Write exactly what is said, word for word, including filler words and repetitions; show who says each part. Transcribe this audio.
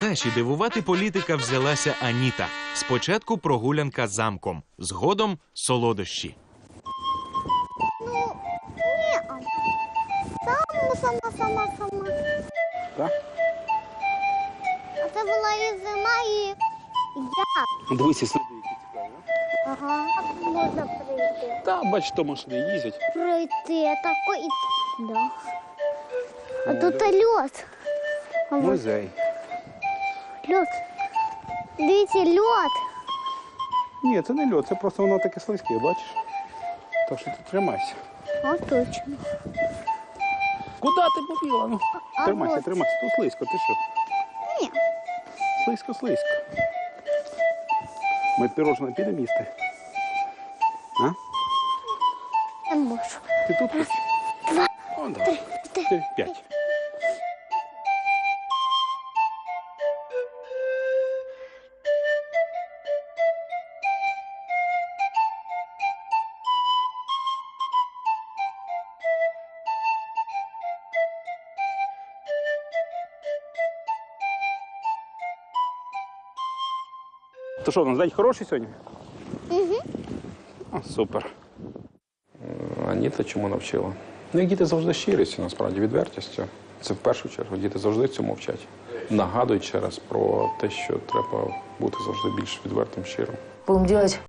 Speaker 1: Наші дивувати політика взялася Аніта. Спочатку прогулянка замком, згодом солодощі.
Speaker 2: Ну, ні. Сама, сама, сама, сама.
Speaker 3: Так?
Speaker 2: А це була і зима, і я.
Speaker 3: Дивися, сліди, які цікаві.
Speaker 2: Ага. А можна прийти.
Speaker 3: Та, бач, то машини їздять.
Speaker 2: Пройти, тако і... Да. А
Speaker 3: Ну,
Speaker 2: тут
Speaker 3: да.
Speaker 2: льод. А от
Speaker 3: Музей.
Speaker 2: льод. Дивіться, льод.
Speaker 3: Ні, це не льод, це просто воно таке слизьке, бачиш? Так що ти тримайся.
Speaker 2: О, точно.
Speaker 3: Куди ти побігла? Ну,
Speaker 2: А
Speaker 3: тримайся,
Speaker 2: от.
Speaker 3: тримайся. Тут слизько, ти що?
Speaker 2: Ні.
Speaker 3: Слизько, слизько. Ми пірожне підемо їсти. А?
Speaker 2: Не можу.
Speaker 3: Ти тут хочеш?
Speaker 2: Два,
Speaker 3: О, давай.
Speaker 2: три,
Speaker 3: Чотири, п'ять. То що, у нас день хороший сьогодні?
Speaker 2: Угу.
Speaker 3: О, супер.
Speaker 4: Аніта чому навчила? Ну, як діти завжди щирістю, насправді, відвертістю. Це в першу чергу. Діти завжди цьому вчать. Нагадують ще раз про те, що треба бути завжди більш відвертим, щирим.
Speaker 5: Будем делать